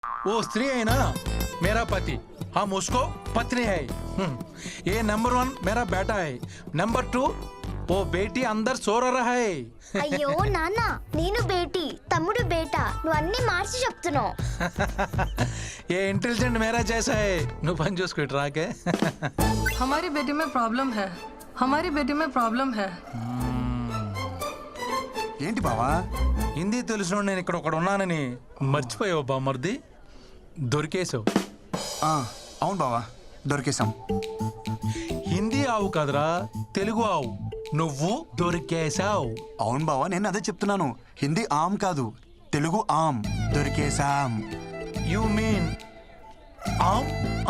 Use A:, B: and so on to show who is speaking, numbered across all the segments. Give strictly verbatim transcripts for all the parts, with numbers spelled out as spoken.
A: वो स्त्री है ना मेरा पति, हम उसको पत्नी है। ये नंबर वन मेरा बेटा है, नंबर टू वो बेटी अंदर सो रहा है।
B: అయ్యో నాన్న నేను బేటీ తమ్ముడు బేటా నువ్వు అన్ని మార్చి చెప్తున్నావు.
A: ये इंटेलिजेंट मेरा जैसा है, नु पन చూసుకో రాకే.
C: हमारी बेटी में प्रॉब्लम है, हमारी बेटी में प्रॉब्लम है.
D: ఏంటి బావా?
A: హిందీ తెలుసు నేను ఇక్కడ ఒకడు ఉన్నానని మర్చిపోయావు బామర్ది, దొరికేసావు.
D: అవును బావా, దొరికేసాం.
A: హిందీ ఆవు కాదురా, తెలుగు ఆవు, నువ్వు దొరికేసావు.
D: అవును బావా, నేను అదే చెప్తున్నాను. హిందీ ఆమ్ కాదు, తెలుగు ఆమ్. దొరికేసాం.
A: యు మీన్ ఆమ్?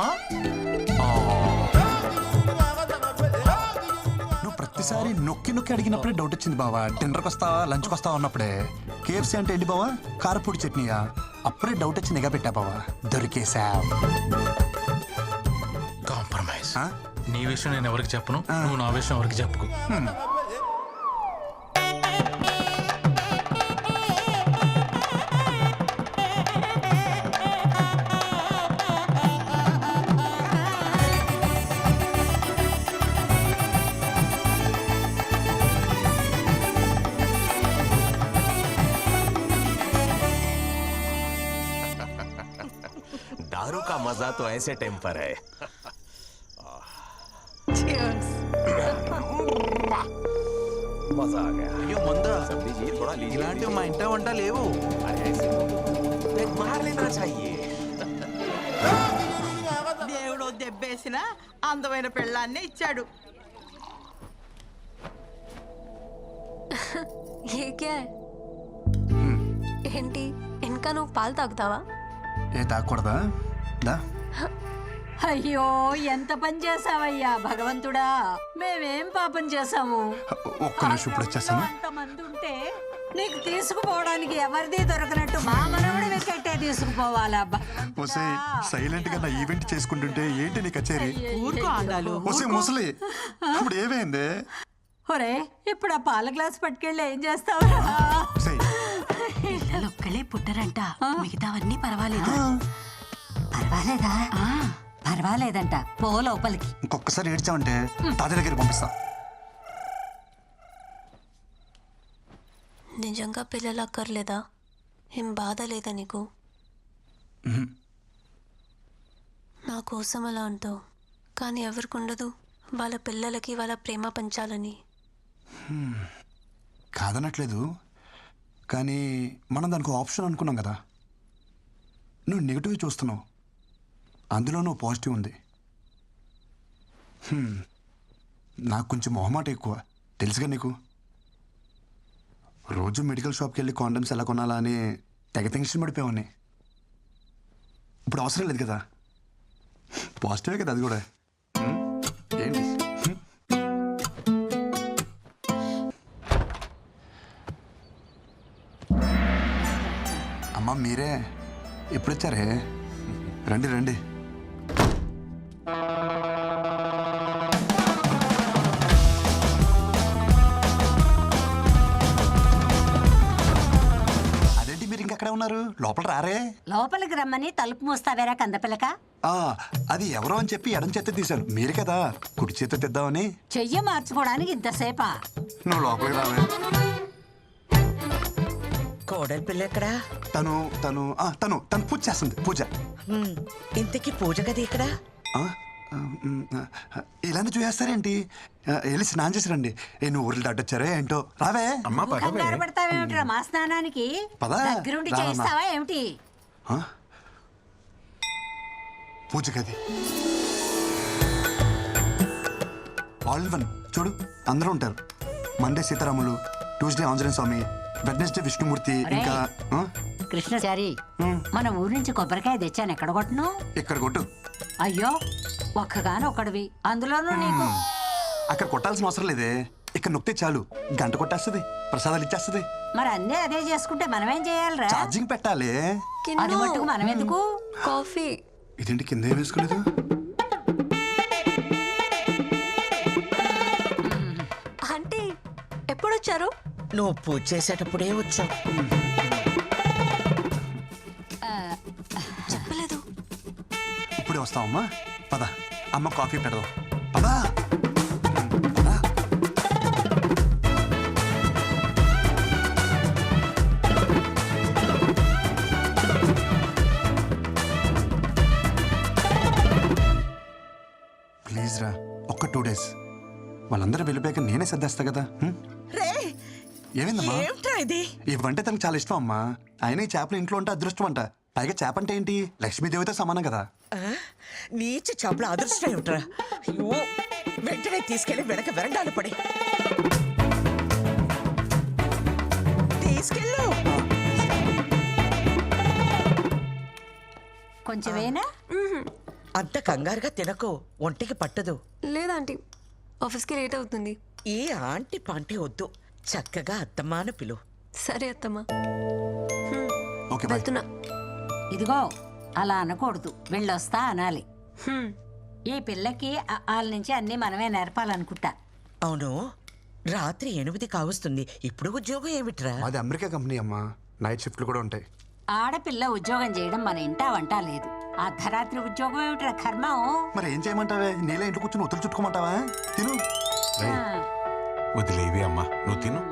D: నువ్వు ప్రతిసారి నొక్కి నొక్కి అడిగినప్పుడే డౌట్ వచ్చింది బావా. డిన్నర్కి వస్తావా, లంచ్కి వస్తావా అన్నప్పుడే. కేఎఫ్సీ అంటే ఏంటి బావా? కారపూడి చట్నీయా? అప్పుడే డౌట్ వచ్చి నిఘా పెట్టా బావా. దొరికేసాం.
A: కాంప్రమైజ్. నీ విషయం నేను ఎవరికి చెప్పను, నువ్వు నా విషయం ఎవరికి చెప్పుకో.
E: दारू का मजा तो ऐसे टेम्पर है. मजा आ गया.
A: అయ్యో మందా,
E: सब लीजिए, थोड़ा लीजिए.
A: ఇలాంటివి మా ఇంట వంట లేవు.
E: अरे ऐसे एक मार लेना चाहिए.
F: దేవుడు దెబ్బేసిన అందమైన పెళ్ళాన్ని ఇచ్చాడు.
G: ये क्या है? ఏంటి ఇంకా నువ్వు పాలు తాగుతావా?
D: ఏ తాగకూడదా? దా.
H: అయ్యో ఎంత పని చేసావయ్యా భగవంతుడా, మేమేం పాపం చేసాము?
D: ఒక్క నిమిషం ఇప్పుడు వచ్చేస్తాను.
H: అంతమంది ఉంటే నీకు తీసుకుపోవడానికి ఎవరిది దొరకనట్టు మా మనవడి వెకెట్టే తీసుకుపోవాలా?
D: సైలెంట్ గా నా ఈవెంట్ చేసుకుంటుంటే ఏంటి నీ కచేరీ?
F: ఊరుకో ఆడాలు.
D: ఒసే ముసలి, ఇప్పుడు ఏమైంది?
H: ఒరే ఇప్పుడు ఆ పాల గ్లాస్ పట్టుకెళ్ళి ఏం చేస్తావురా?
I: పిల్లలు ఒక్కలే పుట్టరంట, మిగతావన్నీ పర్వాలేదు. పర్వాలేదా? పర్వాలేదంట, పో లోపలికి.
D: ఇంకొకసారి ఏడ్చావంటే తాత దగ్గర పంపిస్తా.
G: నిజంగా పిల్లలు అక్కర్లేదా? ఏం బాధ లేదా నీకు? నా కోసం అలా అంటావు, కానీ ఎవరికి ఉండదు వాళ్ళ పిల్లలకి వాళ్ళ ప్రేమ పంచాలని?
D: కాదనట్లేదు, కానీ మనం దానికి ఆప్షన్ అనుకున్నాం కదా. నువ్వు నెగిటివ్ చూస్తున్నావు, అందులో నువ్వు పాజిటివ్ ఉంది. నాకు కొంచెం మొహమాట ఎక్కువ, తెలుసుగా నీకు. రోజు మెడికల్ షాప్కి వెళ్ళి కాండమ్స్ ఎలా కొనాలా అని తెగ టెన్షన్ పడిపోయావని. ఇప్పుడు అవసరం లేదు కదా, పాజిటివే కదా అది కూడా. ఏంటి అమ్మా, మీరే ఎప్పుడు వచ్చారే? రండి రండి. అదేంటి మీరు ఇంకెక్కడే ఉన్నారు? లోపల రారే?
H: లోపలికి రమ్మని తలుపు మూస్తావేరా కందపిల్లక?
D: ఆ, అది ఎవరో అని చెప్పి ఎడం చేత తీశాను, మీరు కదా కుడి చేత తెద్దామని.
H: చెయ్యి మార్చుకోవడానికి ఇంతసేపా?
D: నువ్వు లోపలికి రావే.
F: కోడలి పిల్ల ఎక్కడా?
D: తను తను ఆ, తను తను పూజ చేస్తుంది, పూజ.
F: ఇంతకీ పూజ గది ఇక్కడ?
D: ఆ, ఆ, మ్, ఆ, ఇలానే చూసేస్తారేంటి? ఆ, వెళ్ళి స్నానం చేసి రండి. ఏ నువ్వు ఊర్లు దాటొచ్చారే ఏంటో. రావే.
H: కంగారు పడతావేమిట్రా మా స్నానానికి?
D: పదా,
H: దగ్గరుండి
D: రామ్మా.
H: చేస్తావా ఏమిటి?
D: ఆ? పూజ గది ఆల్ వన్ చూడు, అందరూ ఉంటారు. Monday Sitaramulu, Tuesday Anjaneya Swamy, Wednesday Vishnumurthy, ఇంకా ఆ?
H: కృష్ణచారి, మన ఊరి నుంచి కొబ్బరికాయ తెచ్చాను, ఎక్కడ కొట్టను?
D: ఇక్కడ కొట్టు.
H: అయ్యో ఒక్కగాను ఒకడివి, అందులోనూ నీకు.
D: అక్కడ కొట్టాల్సిన అవసరం లేదే, ఇక్కడ నొక్కితే చాలు, గంట కొట్టేస్తుంది, ప్రసాదాలు ఇచ్చేస్తుంది.
H: మరి అన్నీ అదే చేసుకుంటే మనమేం చేయాలిరా?
D: ఛార్జింగ్ పెట్టాలి.
H: అది మట్టుకు మనం ఎందుకు?
G: కాఫీ.
D: ఇదేంటి కింద ఏం వేసుకోలేదు?
G: ఆంటీ ఎప్పుడు వచ్చారు?
F: నువ్వు పూజ చేసేటప్పుడే వచ్చావు.
D: ఇప్పుడే వస్తావమ్మా. పద అమ్మ కాఫీ పెడదాం. పదా పదా. ప్లీజ్ రా, ఒక్క టూ డేస్. వాళ్ళందరూ వెళ్ళిపోయాక నేనే సర్దేస్తా కదా. హ్మ్?
F: రే
D: ఏమైందమ్మా?
F: ఏమిట్రా ఇది?
D: ఇవంటే తనకు చాలా ఇష్టం అమ్మా. ఆయన ఈ చేపలు ఇంట్లో ఉంటే అదృష్టం అంట. పైగా చేప అంటే ఏంటి, లక్ష్మీదేవితో సమానం కదా.
F: ఆ? నీచ చేపల అదృష్టం ఏమిట్రా? అయ్యో, వెంటనే తీసుకెళ్లి వెనక వెరండాలు పడి తీసుకెళ్ళు.
H: కొంచెమేనా?
F: అంత కంగారుగా తినకు, ఒంటికి పట్టదు.
G: లేదాంటీ, ఆఫీస్కి లేట్ అవుతుంది.
F: ఈ ఆంటీ పాంటీ వద్దు, చక్కగా అత్తమ్మాన పిలు.
G: సరే అత్తమ్మా,
D: ఓకే బాయ్.
G: వెళ్తున్నా.
H: ఇదిగో అలా అనకూడదు, వెళ్ళొస్తా అనాలి.
G: హ్మ్.
H: ఈ పిల్లకి వాళ్ళ నుంచి అన్ని మనమే నేర్పాలనుకుంటా.
F: అవును, రాత్రి ఎనిమిది కావస్తుంది, ఇప్పుడు ఉద్యోగం ఏమిట్రా?
D: అది అమెరికా కంపెనీ అమ్మా, నైట్ షిఫ్ట్లు కూడా ఉంటాయి.
H: ఆడపిల్ల ఉద్యోగం చేయడం మన ఇంటా వంట లేదు. అర్ధరాత్రి ఉద్యోగం ఏమిట్రా కర్మం?
D: మరి ఏం చేయమంటావే, నీళ్ళ ఇంట్లో కూర్చొని ఒత్తులు చుట్టుకోమంటావా? తిను.
H: ఆ,
E: వదిలేవి అమ్మా, నువ్వు తిను.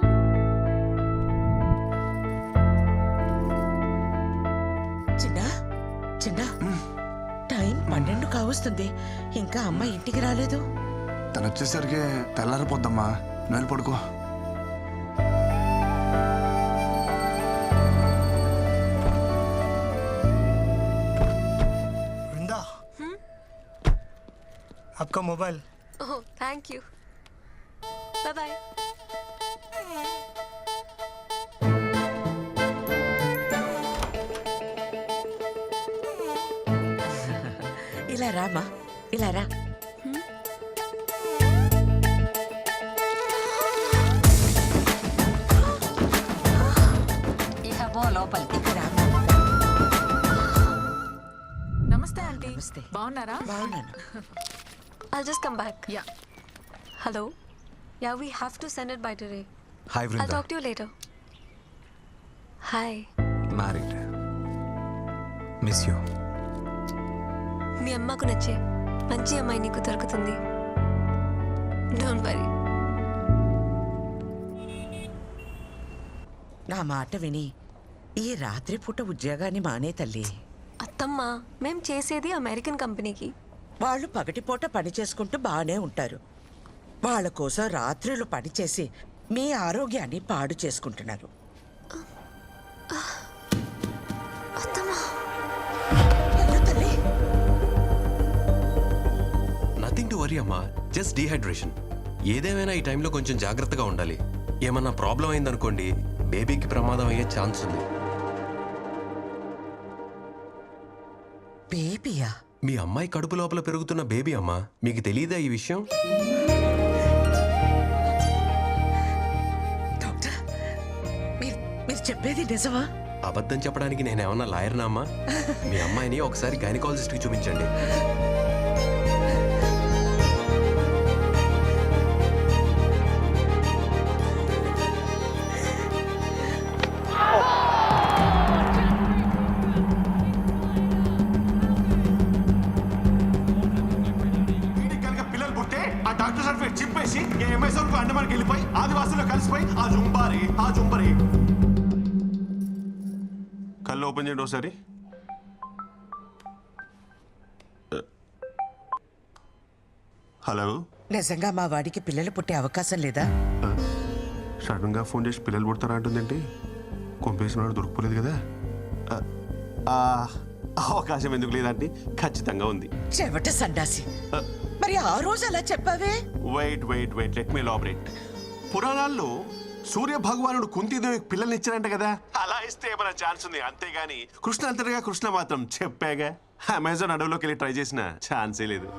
F: చిన్న చిన్న టైం పన్నెండు కావస్తుంది, ఇంకా అమ్మ ఇంటికి రాలేదు.
D: తను వచ్చేసరికి తెల్లారిపోద్దమ్మా, నువ్వు వెళ్ళి పడుకో.
J: वृंदा, आपका mobile.
G: Oh, thank you. Bye bye.
F: ఇలా రామా, ఇలా రా.
H: ఇక పో లోపలికి.
F: రామా.
C: నమస్తే ఆంటీ.
F: నమస్తే.
C: బాగున్నారా?
F: బాగున్నాను.
G: I'll just come back.
C: Yeah.
G: Hello? Yeah, we have to send it by today.
E: Hi
G: I'll
E: Vrinda.
G: talk to you later. Hi.
E: Married. Miss you.
G: మీ అమ్మకు నచ్చే మంచి అమ్మాయి నీకు దొరుకుతుంది. Don't worry.
F: నా మాట విని ఈ రాత్రి పూట ఉద్యోగాన్ని మానే తల్లి.
G: అత్తమ్మ, మేం చేసేది అమెరికన్ కంపెనీకి.
F: వాళ్ళు పగటిపూట పని చేసుకుంటూ బాగానే ఉంటారు. వాళ్ళ కోసం రాత్రులు పనిచేసి మీ ఆరోగ్యాన్ని పాడు చేసుకుంటున్నారు.
G: అత్తమ్మ,
F: వెళ్ళు తల్లి.
K: నథింగ్ టు వరీ అమ్మా, జస్ట్ డీహైడ్రేషన్. ఏదేమైనా ఈ టైంలో కొంచెం జాగ్రత్తగా ఉండాలి. ఏమన్నా ప్రాబ్లం అయిందనుకోండి, బేబీకి ప్రమాదం అయ్యే ఛాన్స్ ఉంది.
F: బేబీయా?
K: మీ అమ్మాయి కడుపు లోపల పెరుగుతున్న బేబీ అమ్మా, మీకు తెలియదా ఈ విషయం?
F: డాక్టర్, మీరు మీరు చెప్పేది నిజమా?
K: అబద్ధం చెప్పడానికి నేనేమన్నా లాయర్నా అమ్మా? మీ అమ్మాయిని ఒకసారి గైనకాలజిస్ట్కి చూపించండి.
D: పిల్లలు పుట్టే ఆ డాక్టర్ సర్టిఫికేట్ చింపేసి అమెజాన్ అండమానికి వెళ్ళిపోయి ఆదివాసుల్లో కలిసిపోయి ఆ జుంబారి ఆ జుంబరి. కళ్ళు ఓపెన్ చేయండి ఒకసారి. హలో,
F: నిజంగా మా వాడికి పిల్లలు పుట్టే అవకాశం లేదా?
D: సడన్ గా ఫోన్ చేసి పిల్లలు పుడతారా అంటుందేంటి? కొంపేసిన వాడు దొరికిపోలేదు కదా. ఆ, అవకాశం ఎందుకు లేదంటే ఖచ్చితంగా ఉంది.
F: చెవట సండాసి, మరి ఆ రోజు అలా చెప్పావే?
D: Wait wait wait let me elaborate. పురాణాల్లో సూర్య భగవానుడు కుంతీదేవికి పిల్లల్ని ఇచ్చారంట కదా, అలా ఇస్తే ఏమైనా ఛాన్స్ ఉంది. అంతేగాని కృష్ణ అంతటిగా కృష్ణ మాత్రం చెప్పాగా, అమెజాన్ అడవిలోకి వెళ్ళి ట్రై చేసిన ఛాన్సే లేదు.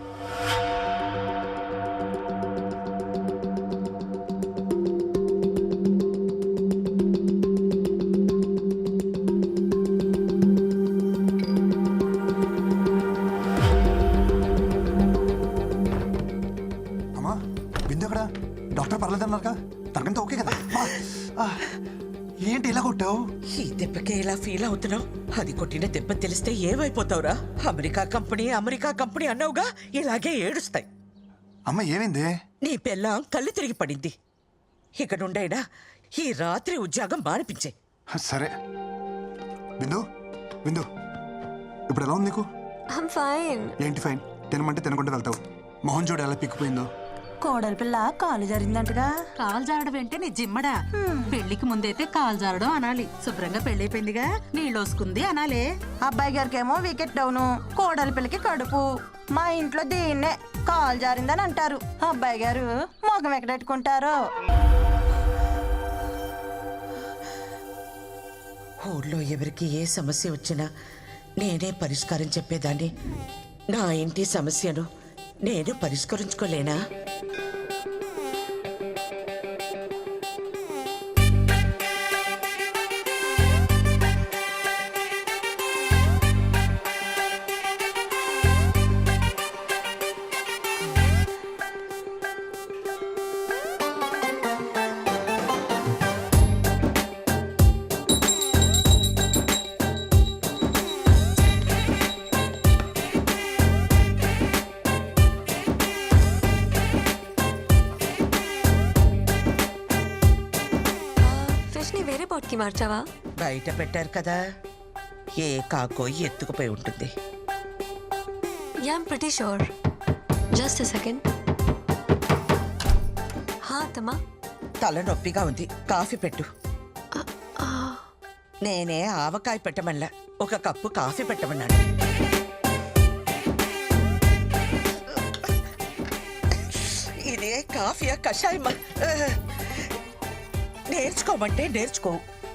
D: అమ్మా, బిందు ఎక్కడ? డాక్టర్ పర్లేదన్నారుగా, తనకంతా ఓకే కదా?
J: ఏంటి ఇలా కొట్టావు?
F: ఈ దెబ్బకే ఇలా ఫీల్ అవుతున్నావు? అది కొట్టిన దెబ్బ తెలిస్తే ఏమైపోతావురా? అమెరికా కంపెనీ అమెరికా కంపెనీ అన్నావుగా, ఇలాగే ఏడుస్తాయి.
J: అమ్మ ఏమైంది?
F: నీ పెళ్ళాం కళ్ళు తిరిగి పడింది. ఇక నుండైనా ఈ రాత్రి ఉద్యోగం మానిపించే.
J: సరే బిందు, బిందు ఇప్పుడు ఎలా ఉంది నీకు?
G: I'm fine.
J: ఏంటి ఫైన్? తినమంటే తినకుండా వెళ్తావు. మొహం చూడు ఎలా పిక్కిపోయిందో.
H: కోడలి పిల్ల కాలు జరిగిందంటగా.
I: కాలు జారడం అంటే నీ జిమ్మడా. పెళ్లికి ముందైతే కాలు జారడం అనాలి. శుభ్రంగా పెళ్ళైపోయిందిగా, నీళ్ళోసుకుంది అనాలే.
H: అబ్బాయి గారికి ఏమో వికెట్ డౌను, కోడలి పిల్లకి కడుపు. మా ఇంట్లో దీన్నే కాలు జారిందని అంటారు. అబ్బాయి గారు మొగం ఎక్కడెట్టుకుంటారో.
F: ఊళ్ళో ఎవరికి ఏ సమస్య వచ్చినా నేనే పరిష్కారం చెప్పేదాన్ని. నా ఇంటి సమస్యను నేను పరిష్కరించుకోలేనా?
G: ఫిష్ ని వేరే బోట్ కి మార్చావా?
F: బయట పెట్టారు కదా, ఏ కాకో ఎత్తుకుపోయి ఉంటుంది.
G: Yeah I'm pretty sure. Just a second. హా అత్తమ్మా.
F: తల నొప్పిగా ఉంది, కాఫీ పెట్టు. నేనే ఆవకాయ పెట్టమల్లా, ఒక కప్పు కాఫీ పెట్టమన్నాడు. ఇదే కాఫీయా కషాయమా? నేర్చుకోమంటే నేర్చుకో.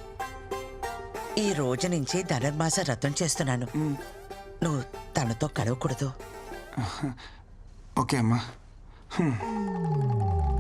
F: ఈ రోజు నుంచి ధనుర్మాస వ్రతం చేస్తున్నాను. నువ్వు తనతో కలవకూడదు.
J: ఓకే అమ్మా.